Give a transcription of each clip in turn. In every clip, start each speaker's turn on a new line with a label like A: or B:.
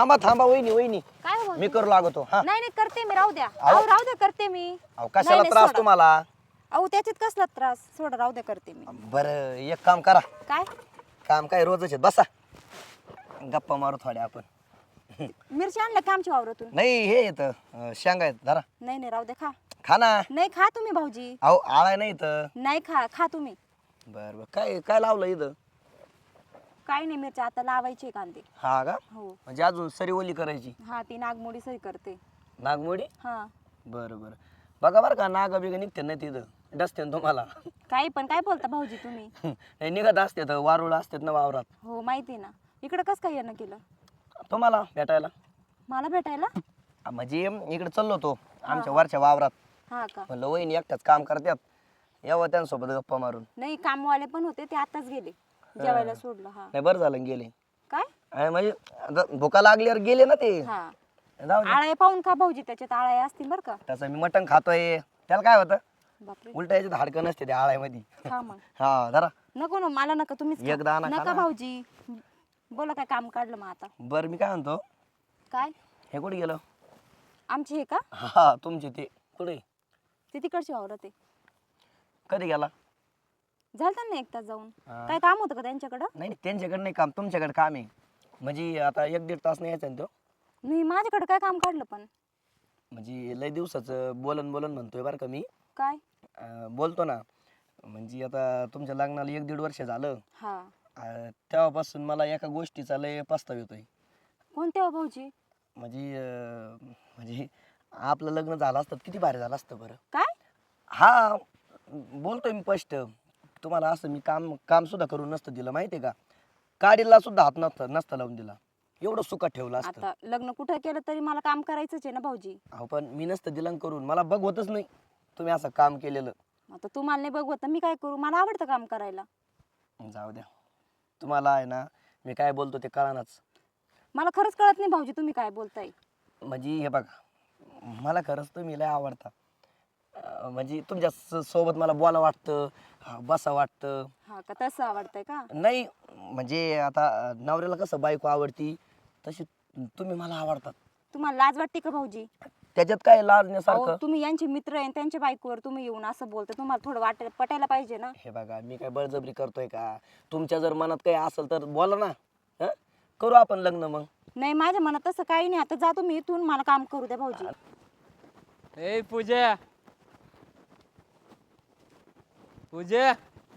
A: थांबा थांबा वहिनी वहिनी
B: काय हो
A: मी करू लागतो हा
B: नाही नाही करते मी राहू द्या
A: अहो.
B: अहो राहू द्या करते मी
A: अहो कशाला
B: नाही,
A: त्रास
B: सोडा.
A: तुम्हाला
B: अहो त्याच्यात कसला त्रास सोडा राहू द्या करते मी
A: बरं एक काम करा
B: काय
A: काम काय रोजच आहे बसा गप्पा मारू थोड्या आपण
B: मिरची आणल्या का आमच्या वावरातून
A: नाही हे येतं शेंगा येत धरा
B: नाही नाही राहू द्या खा
A: खा ना
B: नाही खा तुम्ही भाऊजी
A: अहो आळा नाही तर
B: नाही खा तुम्ही
A: बर बर काय काय लावलं इथं
B: काही नाही मिरची आता लावायची कांदे
A: हा का
B: हो
A: म्हणजे अजून सरी ओली करायची
B: हा ती नागमोडी सही करते
A: नागमोडी
B: हा
A: बरं बरं बघा बरं का नाग बिग निघते नाही तिथं डसते ना तुम्हाला
B: काही पण काय बोलता भाऊजी तुम्ही
A: नाही निघत असते तर वारुळ असतात ना वावरात
B: हो माहिती ना इकडे कसं काय येणं केलं
A: तुम्हाला भेटायला
B: मला भेटायला
A: म्हणजे इकडे चाललो होतो आमच्या वरच्या वावरात
B: हा का
A: म्हणलं वहिनी एकटाच काम करतात यावं त्यांच्यासोबत गप्पा मारून
B: नाही कामवाले पण होते ते आताच गेले जेवायला सोडलं हा
A: नाही बरं झालं गेले
B: काय
A: आणि म्हणजे आता भुका लागल्यावर गेले ना ते
B: हा
A: जाऊ दे.
B: आळाय पाहून का भाऊजी त्याच्यात आळाय असतील बरं का
A: तसं मी मटण खातोय त्याला काय होतं
B: बापरे
A: उलट याच्यात हाडकं नसते त्या आळ्यामध्ये
B: खा मग
A: हा जरा
B: नको ना मला नका तुम्हीच खा.
A: एक दाणा खा
B: नका
A: ना.
B: भाऊजी बोला काय काम काढलं मग आता
A: बरं मी काय म्हणतो
B: काय
A: हे कुठे गेलं
B: आमचे हे का
A: हा तुमचे ते कुठे
B: ते तिकडचे वावरत आहे
A: कधी गेला
B: झालं ना एक तास जाऊन
A: हा.
B: काय काम होतं का त्यांच्याकडं
A: नाही त्यांच्याकडे नाही काम तुमच्याकडे काम आहे म्हणजे आता एक दीड तास नाही यायचा ना तो
B: नाही माझ्याकडे काय काम काढलं पण
A: म्हणजे लय दिवसाचं बोलन बोलन म्हणतोय बरं का मी
B: काय
A: बोलतो ना म्हणजे आता तुमच्या लग्नाला एक दीड वर्ष झालं
B: हा
A: तेव्हापासून मला एका गोष्टीचा लय पस्ताव येतोय
B: कोणत्या हो भाऊजी
A: म्हणजे आपलं लग्न झालं असतं किती भारी झालं असतं बरं
B: काय
A: हा बोलतोय मी स्पष्ट तुम्हाला असं मी काम काम सुद्धा करून नसतं दिलं माहिती आहे का काडीला सुद्धा हात नसतं लावून दिला एवढं सुखात ठेवलं असतं
B: आता लग्न कुठं केलं तरी मला काम करायचंच आहे ना भाऊजी
A: अहो पण मी नसतं दिलं करून मला बघवतच नाही तुम्ही असं काम केलेलं
B: आता तुम्हाला नाही बघवत तर मी काय करू मला आवडतं काम करायला
A: जाऊ द्या तुम्हाला आहे ना मी काय बोलतो ते कळानाच
B: मला खरंच कळत नाही भाऊजी तुम्ही काय बोलताय
A: म्हणजे हे बघा मला खरंच तुम्ही लय आवडता म्हणजे तुमच्या सोबत मला बोला वाटतं बसा वाटतं
B: हा का तसं आवडतंय का
A: नाही म्हणजे आता नवऱ्याला कसं बायको आवडती तशी तुम्ही मला आवडतात
B: तुम्हाला लाज वाटते का भाऊजी
A: त्याच्यात काय
B: अहो,
A: लाजण्यासारखं
B: तुम्ही यांचे मित्र आहे त्यांच्या बायकोवर तुम्ही येऊन असं बोलता तुम्हाला थोडं पटायला पाहिजे ना
A: हे बघा मी काय बळजबरी करतोय का तुमच्या जर मनात काही असेल तर बोला ना हं? करू आपण लग्न मग
B: नाही माझ्या मनात तसं काही नाही आता जा तुम्ही इथून मला काम करू द्या भाऊजी
C: ए पूजा पूजा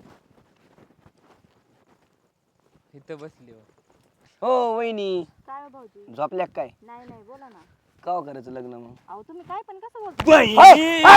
C: इथं बसली
A: हो वहिनी
B: काय हो भाऊजी
A: झोपल्या काय
B: नाही नाही बोला ना
A: का करायचं लग्न मग
B: अहो तुम्ही काय पण कसं बोलता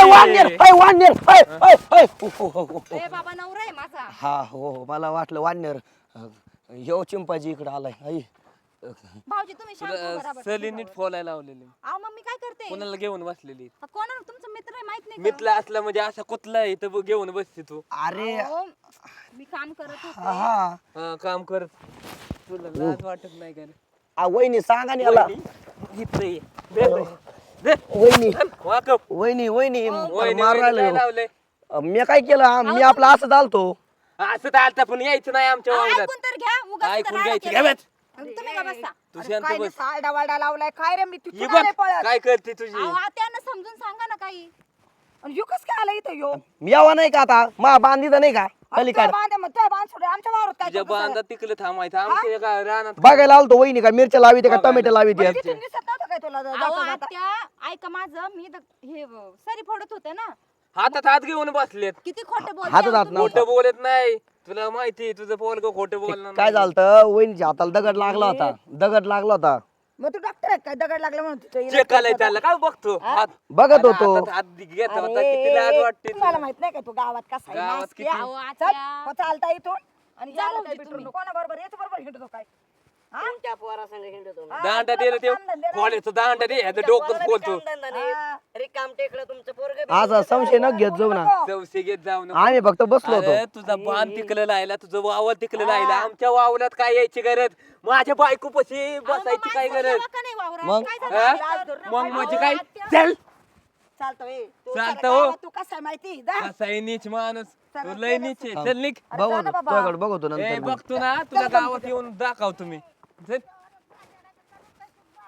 B: ए बाबा नवरा आहे माझा
A: हा हो हो मला वाटलं वानर ह्यो चिंपाजी इकडे आलाय आई
B: भाऊजी तुम्ही शांत उभं राहा बरं.
C: सली नीट फोलायला लावलेली
B: अहो मग मी काय करते
C: कोणाला घेऊन बसलेली
B: कोणाला तुमचा मित्र आहे माहित नाही का?
C: मितला असला म्हणजे असा कुठला आहे इथं घेऊन बसते तू
A: अरे
B: अहो, मी काम करत
A: हा
B: होते
A: हा
C: हा, काम करत तुला लाज वाटत नाही का रे?
A: वहिनी सांगा ना याला
C: इथं ये. दे, दे. दे.
A: वहिनी
C: वाकप.
A: वहिनी वहिनी
C: वहिनी,
A: मारू
C: वहिनी
A: राहिलो
C: काय लावलंय
A: मी काय केलं मी आपलं असं चालतो
C: असं तर आलता पण यायचं नाही आमच्या
B: अहो,
C: वावरात
B: ऐकून तर घ्या उगाच
C: ऐकून
B: राडा
C: घ्यायचं
B: केला.
C: घ्या बस.
B: तुम्ही का बसा
C: तू
D: अरे
C: शांत
D: काय
C: बस
D: सारडा वारडा लावलाय काय रे मी
C: ही
D: तिथून
C: बघ
D: आले पळत
C: काय करते तुझी
B: अहो आत्यानं समजून सांगा ना काही
D: आणि ह्यो कस काय आला इथं ह्यो
A: मी यावा नाही का आता मा बांधीचा नाही का पलीकडे
D: बांध सोडे आमच्या वावरात काय
C: तुझ्या बांधा तिकडे थांबायचं आमच्या एका रानात
A: बघायला आलतो वहिनी का मिरच्या लाविते का टोमॅटो लाविते
D: तिथून दिसत नव्हतं काय तुला
B: अहो
D: जाता जाता
B: आत्या ऐका माझं मी हे सरी फोडत होते ना
C: हातात हात घेऊन बसलेत
B: किती खोटं बोलते
A: हातात
B: अहो
A: हात
B: तुम्ही.
A: नव्हता.
C: खोटं बोलत नाही तुला माहिती तुझं पोरग खोटं बोलणार
A: काय
C: नाही.
A: झालं वहिनीच्या हाताला दगड लागला होता दगड लागला होता
D: मग तू डॉक्टर आहे काय दगड लागला म्हणून तिथं इलाज
C: चेक आलाय
D: करतो
C: त्याला काय बघतो हात
A: बघत होतो
C: हातात हात घेत
D: आता.
C: होता किती लाज
D: अरे,
C: वाटते
D: तुम्हाला माहित नाही का तू गावात कसा आहे
C: गावात
D: नासकी,
C: किती-
D: हा?
B: अहो,
D: चल,
B: आत्या.
D: हो, चालता इथून आणि
B: जा
D: यायला
B: भाऊजी
D: काय बिटरू
B: तुम्ही.
D: नको. कोणाबरोबर याच्या बरोबर हिंडतो काय हा? हा,
C: दांडा
D: तुला
C: दिला
D: पण
C: ते
D: कामधंदे नाही.
C: खोड्याचं दांडा दे ह्याचं
D: तुमच्या
C: डोकं
D: पोराला बी
C: बोलतो
D: कामधंदा नाही. रिकाम टेकडं तुमचं पोरगं बी
A: आज संशय न घेत जाऊ ना
C: चौसे घेत जाऊ नको.
A: आम्ही फक्त बसलो होतो
C: अरे, तुझा बाण तिकलं लायला तुझं वावर तिकलं लायला आमच्या वावरात काय यायची गरज माझ्या बायको पशी बसायची काय
B: माणसं
C: गरज
B: जेव्हा का नाही वावरात?
A: मग?
B: काय
C: हा?
B: झालं?
D: लाज धरू नका.
C: मग म्हणजे
B: अहो,
C: काय
B: आत्या.
C: चल
D: चालतो ए. तू
C: चालतं
D: सारा
C: हो.
D: गावात तू कसा आहे माहिती जा.
C: असा आहे नीच माणूस
D: चला,
C: तू लय नीच आहे. चल निघ
D: अरे जा ना
A: बघतो
D: बाबा.
A: तुझ्याकडे बघतो
C: ए
A: नंतर मग.
C: बघतो ना तुझ्या गावात येऊन दाखव तुम्ही चल.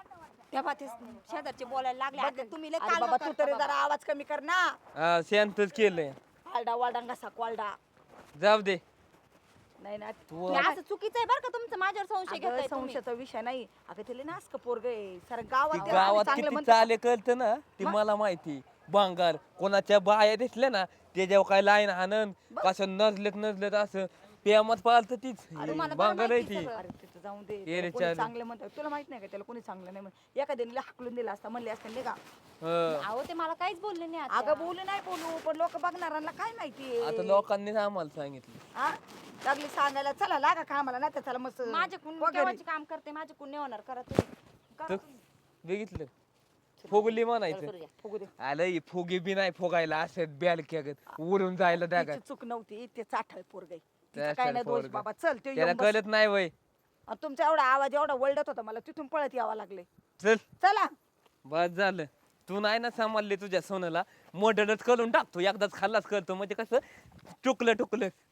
B: तेव्हा ते शेजारचे बोलायला लागले आता तुम्ही लय
D: अरे
B: कालवा
D: बाबा तू
B: करता
D: तरी
B: बाबा.
D: जरा आवाज कमी कर ना.
C: हा, शांतच केलंय.
D: आलडा वालडा घसा क्वालडा.
C: जाऊ दे.
D: नाही ना
C: तू
B: हे असं चुकीचं आहे बरं का तुमचं माझ्यावर संशय
D: अगं,
B: घेताय तुम्ही.
D: संशयाचा विषय नाही. अगं तिला नासक पोरग आहे सारं गावात
C: ती
D: त्याला आम्ही
C: गावात
D: चांगलं
C: किती
D: म्हणतो.
C: चाले कळतं ना ती मला माहिती. बांगार कोणाच्या बाया दिसल्या ना त्याच्यावर काय लाईन आनंद कसं नजलेत असं प्रेमात पाळत तीच
B: तुम्हाला बरं
C: बांगार आहे
B: माहिती
C: ती.
B: सगळं.
D: अरे तिथं जाऊन दे.
C: ये
D: त्याला
C: रे
D: कोणी
C: चालेल.
D: चांगलं म्हणतं तुला माहित नाही का त्याला कोणी चांगलं नाही म्हणत. एखाद्याने हाकलून दिला असता म्हणले असते नाही का.
C: हं.
B: अहो ते मला काहीच बोलले नाही
D: अगं
B: आता.
D: बोलू नाही बोलू पण लोक बघणाऱ्यांना काय माहिती
C: आता लोकांनीच आम्हाला सांगितलं.
D: लागली सांगायला चला लागा कामाला नाही तर चला मस्त
B: माझ्याकडून
D: वगैरे.
B: केव्हाचे काम करते माझ्याकडून नाही होणार करा तुम्ही. करा
C: तर
B: तुम्ही.
C: बघितलं फुगली म्हणायचं.
D: फुगू दे.
C: आलं ही फुगी बी नाही फुगायला असं बॅल उडून जायला द्या
D: तिची चूक नव्हती ते चाठळ पोरग
C: चाठळ
D: काय नाही दोष
C: पोरगं.
D: बाबा चल ते
C: त्याला
D: येऊन बस.
C: कळत नाही वय.
D: आणि तुमचा एवढा आवाज एवढा वळडत होता मला तिथून पळत यावं लागले.
C: चल
D: चला
C: बस झालं. तू नाही ना सांभाळले तुझ्या सोनाला मर्डरच करून टाकतो एकदाच खाल्लाच करतो म्हणजे कसं टुकलं